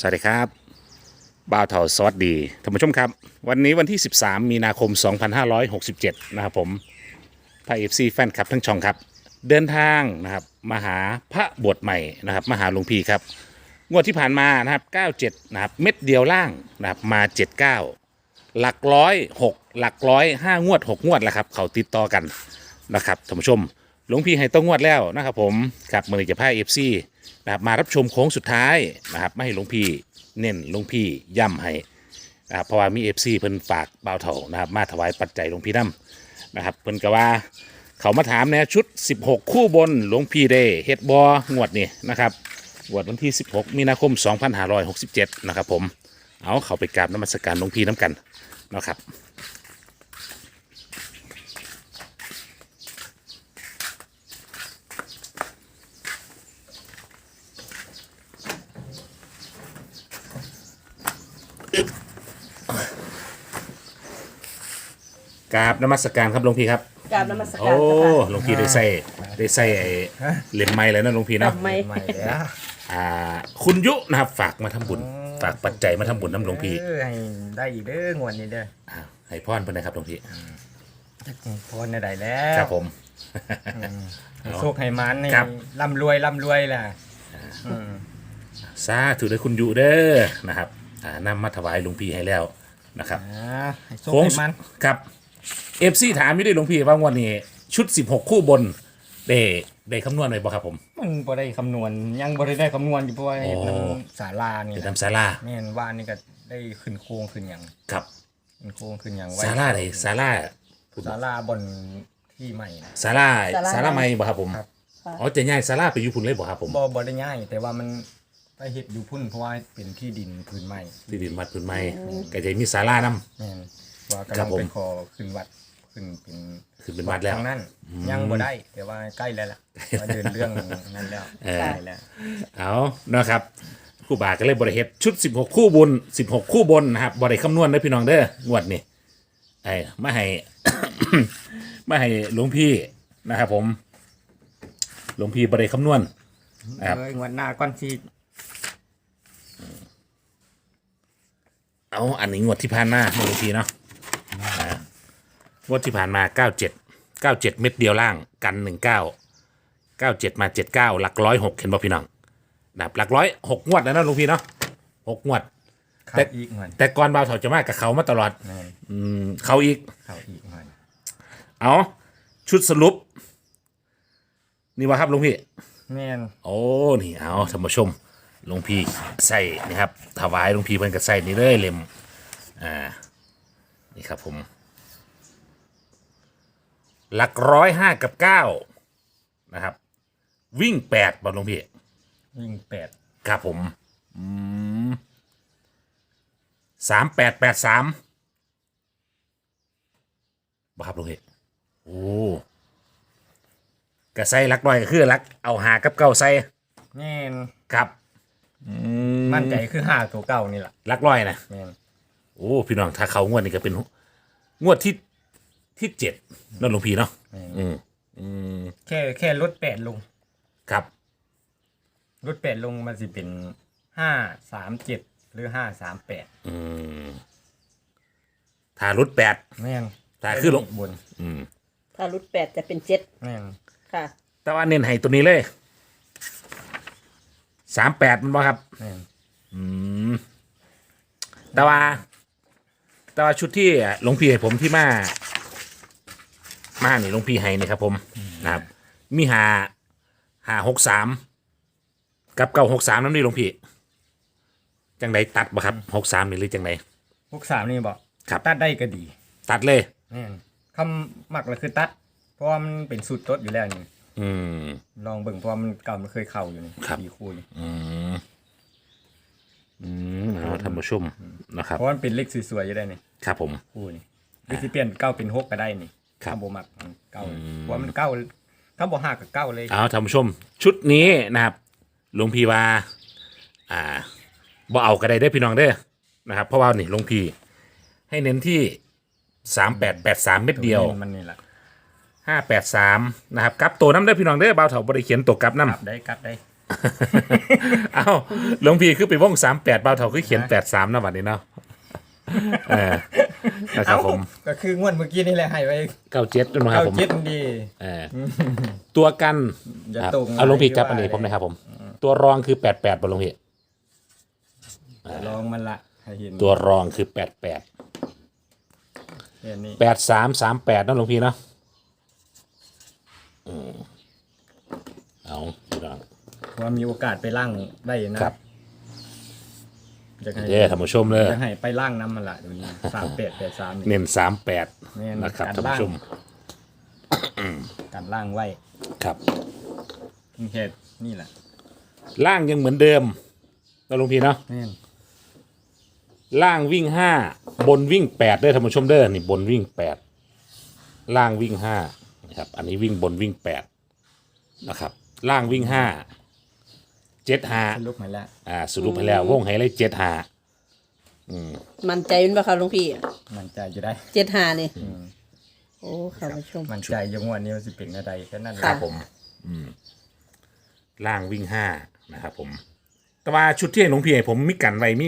สวัสดีครับบ่าวเถาสวัสดีท่านผู้ชมครับวันนี้วันที่ 13 มีนาคม 2567 นะครับผมพระเอฟซีแฟนคลับทั้งช่องครับเดินทางนะครับมาหาพระบวชใหม่นะครับมาหาหลวงพี่ครับงวดที่ผ่านมานะครับ97นะครับเม็ดเดียวล่างนะครับมา79หลักร้อย6หลักร้อย5งวด6งวดแล้วครับเขาติดต่อกันนะครับท่านผู้ชมหลวงพี่ให้ต้องงวดแล้วนะครับผมครับมือจะพาเอฟซีนะครับมารับชมโค้งสุดท้ายนะครับไม่ให้หลวงพี่เน้นหลวงพี่ย่ำให้นะครับเพราะว่ามีเอฟซีเพิ่นฝากบ่าวเถานะครับมาถวายปัจจัยหลวงพี่น้ำนะครับเพิ่นก็ว่าเขามาถามเนี่ยชุด16คู่บนหลวงพี่ได้เฮ็ดบองวดนี่นะครับงวดวันที่16มีนาคม2567นะครับผมเอาเขาไปกราบนมัสการหลวงพี่น้ำกันนะครับกราบนมัสการครับหลวงพี่ครับกราบนมัสโอ้การเจ้าค่ะหลวงพี่ได้ใส่ไอ้เหรียญไม้แล้วนะหลวงพี่เนาะทำไมใหม่แล้วคุณยุนะครับฝากมาทำบุญฝากปัจจัยมาทำบุญน้ำหลวงพี่ให้ได้อีกเด้องวดนี้เด้อให้พรเพิ่นนะครับหลวงพี่จักพรได้แล้วครับผมให้โชคให้มันให้ครับร่ำรวยล่ะอืมสาธุเด้อคุณยุเด้อนะครับนำมาถวายหลวงพี่ให้แล้วนะครับให้โชคโค้งให้มันครับเอฟซีถามอยู่ดิหลวงพี่ว่างวดนี้ชุด16คู่บนได้คำนวณไว้บ่ครับผมมันบ่ได้คำนวณยังบ่ได้คำนวณอยู่เพราะว่าโอ้น้ำศาลานี่เดี๋ยวแหละนำศาลาแม่นว่านี่ก็ได้ขึ้นโครงขึ้นหยังครับขึ้นโครงขึ้นหยังศาลาไหนศาลาศาลาบนที่ใหม่นะศาลาใหม่บ่ครับผมครับอ๋อจะย้ายศาลาไปอยู่พุ่นเลยบ่ครับผมบ่ได้ง่ายแต่ว่ามันไปเฮ็ดอยู่พุ่นเพราะว่าเป็นที่ดินพื้นใหม่ที่ดินวัดพื้นไม้ก็จะมีศาลานำแม่นว่ากำครัลับงผมไปขอขึ้นวัดขึ้นเป็นขึ้นเป็นวัดแล้วทางนั้นยังบ่ได้แต่ว่าใกล้แล้วล่ะว่าเดินเรื่องนั้นแล้วใกล้แล้วเอานะครับครู่บาก็เลยบริเฮ็ดชุด16คู่บุญ16คู่บนนะครับบริคำนวณเด้อพี่น้องเด้องวดนี่ไอ้มาให้ มาให้หลวงพี่นะครับผมหลวงพี่บริคำนวณ ครับงวดหน้าก่อนสิเอาอันนี้งวดที่ผ่านมาหลวงพี่เนาะงวดที่ผ่านมา97เม็ดเดียวล่างกัน97มา79หลักร้อย6เห็นบ่พี่น้องนะครับหลักร้อย6งวดแล้วนะหลวงพี่เนาะ6งวดเข้าแต่อีกงวดแต่ก่อนบ่าวเถาจะมากับเขามาตลอดแม่นเขาอีกเข้าอีกงวดเอาชุดสรุป นี่วะครับหลวงพี่แม่นโอ้นี่เอาท่านผู้ชมหลวงพี่ใส่นี่ครับถวายหลวงพี่เพิ่นก็ใส่นี่เลยเล่มนี่ครับผมหลัก105กับ9นะครับ วิ่ง8บอลหลวงพี่วิ่ง8 ครับผม3883บ่ครับหลวงพี่โอ้ก็ใส่หลักร้อยก็คือหลักเอาหากับเก้าใส่แม่นครับมั่นใจคือ5ตัวเก่านี่ล่ะหลักร้อยนะแม่นโอ้พี่น้องถ้าเขางวดนี้ก็เป็นงวดที่7นั่นหลวงพี่เนาะแค่ลด8ลงครับลด8ลงมันสิเป็น537หรือ538 ถ้ารุด8 แม่นถ้าคือลงบนถ้ารุด8จะเป็น7 แม่นค่ะแต่ว่าเน้นให้ตัวนี้เลย38มันบ่ครับแม่นแต่ว่าชุดที่หลวงพี่ให้ผมที่มานี่หลวงพี่ให้นี่ครับผมนะครับมี563กับ963นั่นนี่หลวงพี่จังไดตัดบ่ครับ63นี่หรือจังได 63นี่บ่ครับตัดได้ก็ดีตัดเลยแม่นคำมักเลยคือตัด เพราะว่ามันเป็นสูตรตดอยู่แล้วนี่อืมลองเบิ่งเพราะว่ามันเก่ามันเคยเข้าอยู่นี่ครับสี่คู่นี่เอาท่านผู้ชมนะครับเพราะว่ามันเป็นเลขสวยๆอยู่ได้นี่ครับผมคู่นี่หรือสิเปลี่ยนเก้าเป็น6ก็ได้นี่ครับถ้าบ่มักมันเก้าเพราะว่ามันเก้าถ้าบ่ฮักก็เก้าเลยเอาท่านผู้ชม ชุดนี้นะครับหลวงพี่ว่าบ่เอาก็ได้เด้อพี่น้องเด้อนะครับ เพราะว่านี่หลวงพี่ให้เน้นที่3883เม็ดเดียวมันนี่ล่ะ 583นะครับกลับตัวน้ำเด้อพี่น้องเด้อบ่าวเถาบ่ได้เขียนตัวกลับน้กลับได้เอ้าหลวงพี่คือไปวง38เบาเท่าคือเขียน83นะบัดนี้เนาะเออนะครับผมก็คืองวดเมื่อกี้นี่แหละให้ไว้ 97ด้วยนะครับผมเจ็ดดีเออตัวกันอย่าครับตรงเอาหลวงพี่จับว่าอันนี้อะไรผมนะครับผม ตัวรองคือ88บ่หลวงพี่ลองมันละให้เห็นตัวรองคือ88 เห็นนี่ 8338นะหลวงพี่เนาะเอาพี่น้องว่ามีโอกาสไปล่างได้นะครับ จะให้เด้อท่านผู้ชมเลยจะให้ไปล่างน้ำมันละเดี๋ยวนี้3883นี่เน้นแม่ 38 นนะครับการท่านล่างผู้ชมการล่างไว้ครับนี่แค่นี่แหละล่างยังเหมือนเดิมนะหลวงพี่เนาะแม่นล่างวิ่ง5บนวิ่ง8เด้อท่านผู้ชมเด้อนี่บนวิ่ง8ล่างวิ่ง5นะครับอันนี้วิ่งบนวิ่ง8นะครับล่างวิ่ง5 7 สรุป 5 มาแล้วสรุปให้แล้ววงให้เลย7 5 มันใจเป็นปะคะหลวงพี่มันใจจะได้ 75นี่โอ้ค่ะผู้ชมมันใจยังวันนี้มันสิเป็นอะไรแค่นั้นแหครัละบผมล่างวิ่ง5นะครับผมแต่ว่าชุดที่หลวงพี่ให้ผมมีกันไว้มี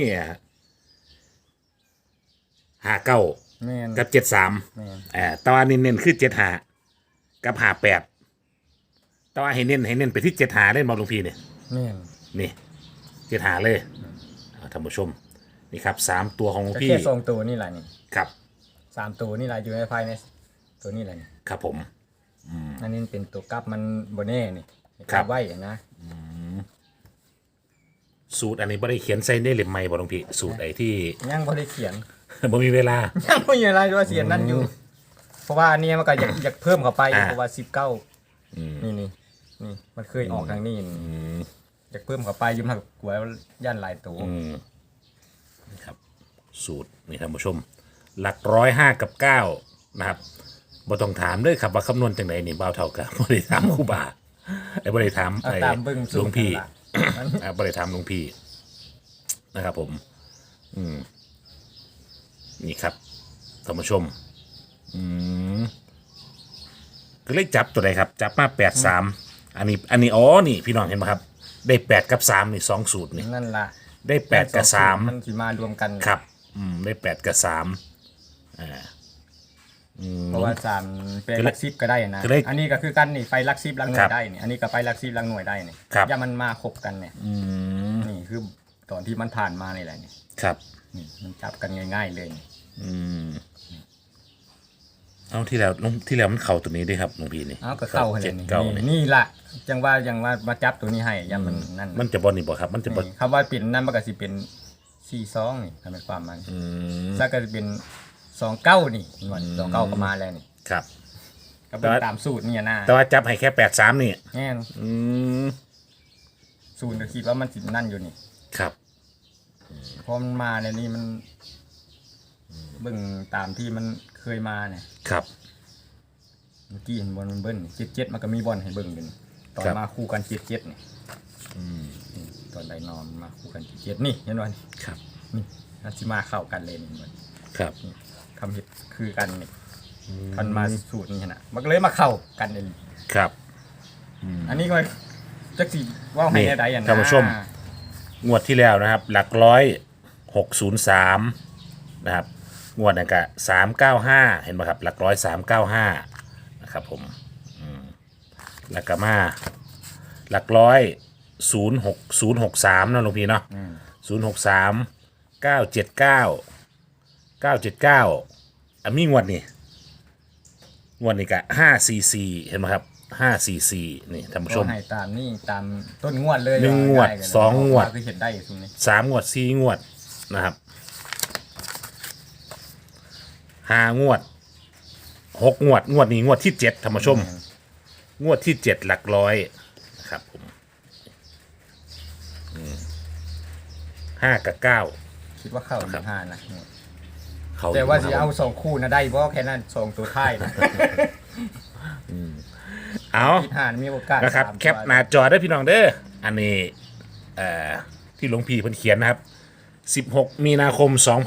59 แม่นกับ73 แม่นแต่ว่าเน้นๆคือ75กับ58แต่ว่าให้เน้นไปที่75เล่นบอลหลวงพี่เนี่ยแม่นนี่75เลยท่านผู้ชมนี่ครับ3ตัวของหลวงก็พี่แค่ทรงตัวนี่แหละนี่ครับ 3ตัวนี่แหละอยู่ในภายในตัวนี่แหละนี่ครับผมอันนี้เป็นตัวกลับมันโบเน่นี่ครับไว้นะสูตรอันนี้บ่ได้เขียนใส่ในเล่มใหม่บ่หลวงพี่สูตรไอ้ที่ยังบ่ได้เขียนบ่มีเวลายังไม่มีอะไรด้วยเสียนนั่นอยู่ เพราะว่าอันนี้มันก็อยากเพิ่มเข้าไปอ่าเพราะว่า19นี่มันเคยออกทางนี้อยากเพิ่มเข้าไปอยุ่มากกลัวย่านหลายตัวนี่ครับสูตรนี่ท่านผู้ชม หลัก105กับ9นะครับบ่ต้องถามเลยครับว่าคำนวณจังไดนี่บ่าวเท่ากับบ่ได้ถามครูบาบ่ได้ถามเอาตามเบิ่งหลวงพี่นั่นล่ะบ่ได้ถามหลวงพี่นะครับผมนี่ครับท่านผู้ชมก็เลยจับตัวใดครับ จับมา83อันนี้อ๋อนี่พี่น้องเห็นไหมครับ ได้8กับ3นี่2สูตรนี่นั่นล่ะได้8กับมันสิมารวมกัน 3ครับได้8กับ3 เพราะว่า3เป็นหลัก10ก็ได้นะก็เลยอันนี้ก็คือกันนี่ไฟหลัก10หลักหน่ครัวยบได้นี่อันนี้ก็ไฟหลัก10หลักหน่วยได้นี่ครับอย่ามันมาคบกันเนี่ยนี่คือตอนที่มันผ่านมานี่แหละนี่ครับนี่มันจับกันง่ายๆเลยนี่เอาที่แล้วมันเข่าตัวนี้ด้วยครับหลวงพี่นี่เอาก็เข้าให้เลยเก้านี่นี่นี่ล่ะจังว่ามาจับตัวนี้ให้อย่ามันนั่นมันจะบอลนี่บ่ครับ มันจะบอลนี่คำว่าเป็นนั่นมันก็สิเป็น42นี่ทำเป็นความมันแล้วก็จะเป็น29นี่หน่วย29ก็มาแล้วนี่ครับก็เป็นตามสูตรนี่นะแต่ว่าจับให้แค่83นี่แน่นสูตรก็คิดว่ามันสินั่นอยู่นี่ครับพอมันมาเนี่ยนี่มันเบิ่งตามที่มันเคยมาเนี่ยครับเมื่อกี้เห็นบอลมันเบิ้ล77มันก็มีบอลให้เบิ่งอยู่นี่ตอนครับมาคู่กัน77นี่นี่ตอนไดนอมมาคู่กัน77นี่เห็นบ่นี่ครับนี่นันสิมาเข้ากันเลยนี่มันครับคำเห็ดคือกันนี่คันมาสูตรนี่นะมันก็เลยมาเข้ากันเลยครับอันนี้ก็จักสิว่าให้ได้อันนะท่านผู้ชม งวดที่แล้วนะครับ หลัก100 603นะครับงวดนั้นก็395เห็นไหมครับ หลัก395นะครับผมแล้วก็มาหลัก06063นะหลวงพี่เนาะ063 979 979มีงวดนี่ก็544เห็นไหมครับ544นี่ท่านผู้ชมก็ให้ตามนี่ตามต้นงวดเลยหนึ่งงวดไกันเลยสองงวดคือเห็นได้อยู่ตรงนี้ 3 งวด 4 งวดนะครับ5 งวด 6 งวด งวดนี้งวดที่ 7ท่านผู้ชม งวดที่ 7 หลักร้อยนะครับผม5 กับ 9 คิดว่าเข้าอยู่ห้านะเขาแต่ว่าอยู่สินะคเอารับ 2คู่นะได้เพราะแค่นั้น2ตัวท้ายนะเอาคิดห้ามีโอกาสนะครับสามตัวแคปหน้าจอได้พี่น้องเด้ออันนี้ที่หลวงพี่เพิ่นเขียนนะครับ 16 มีนาคม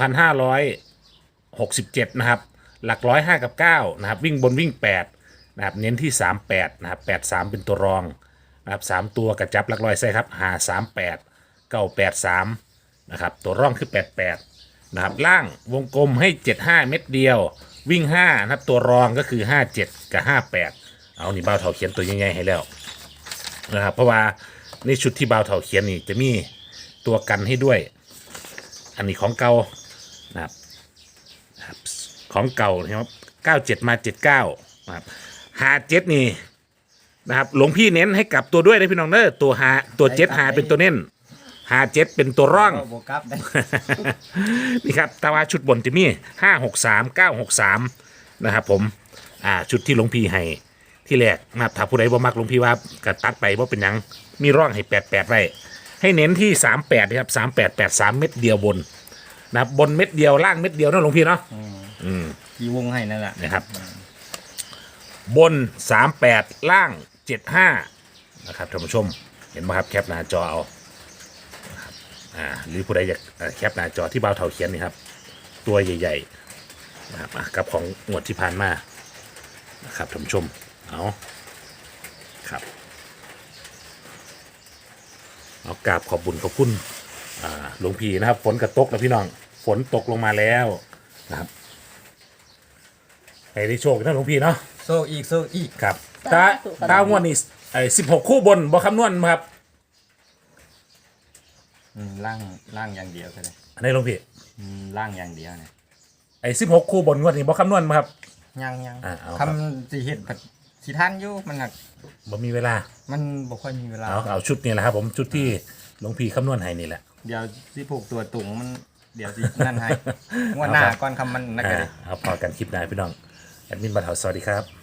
2567 นะครับ หลัก105กับ9นะครับ วิ่งบนวิ่ง 8 นะครับ เน้นที่ 38 นะครับ 83 เป็นตัวรองนะครับ3ตัวกระจับหลักร้อยใส่ครับ538 983นะครับตัวร่องคือ88นะครับล่างวงกลมให้75เม็ดเดียววิ่ง5นะครับตัวรองก็คือ57กับ58เอานี่บ่าวเฒ่าเขียนตัวใหญ่ๆให้แล้วนะครับเพราะว่าในชุดที่บ่าวเฒ่าเขียนนี่จะมีตัวกันให้ด้วยอันนี้ของเก่านะครับของเก่านะครับ97มา79นะครับ57นี่นะครับหลวงพี่เน้นให้กลับตัวด้วยนะพี่น้องเด้อตัวตัว7หาเป็นตัวเน้น57เป็นตัวร่องบวกกลับได้นี่ครับตาวาชุดบนจะมี563 963นะครับผมชุดที่หลวงพี่ให้ที่แรกนะครับถ้าผู้ใดบ่มักหลวงพี่ว่าก็ตัดไปว่าเป็นหยังมีร่องให้88ไว้ให้เน้นที่38นะครับ3883เม็ดเดียวบนนะครับบนเม็ดเดียวล่างเม็ดเดียวนะหลวงพี่เนาะที่วงให้นั่นแหละนะครับบน38ล่าง75นะครับท่านผู้ชมเห็นไหมครับแคปหน้าจอเอานะครับหรือผู้ใดอยากแคปหน้าจอที่บ่าวเฒ่าเขียนนี่ครับตัวใหญ่ๆนะครับกับของงวดที่ผ่านมานะครับท่านผู้ชมเอาครับเอากราบขอบบุญขอบคุณหลวงพี่นะครับฝนกระตกแล้วพี่น้องฝนตกลงมาแล้วนะครับให้ได้โชคนะหลวงพี่เนาะโซ่อีกครับตางวดนี่16 คู่บนบ่คำนวณครับล่างอย่างเดียวก็ได้อันนี้หลวงพี่ล่างอย่างเดียวเนี่ย 16 คู่บนงวดนี่บ่คำนวณครับยังเอาครับคำสิเห็นสิท่านอยู่มันหักบ่มีเวลามันบ่ค่อยมีเวลาเอาชุดนี้แหละครับผมชุดที่หลวงพี่คำนวณให้นี่แหละเดี๋ยวสิผูกตัวตุงมันเดี๋ยวสินั่นให้งวดหน้าก่อนคำมันนักเลยเอาพอกันคลิปหน้าพี่น้องแอดมินบ่าวเฒ่าสวัสดีครับ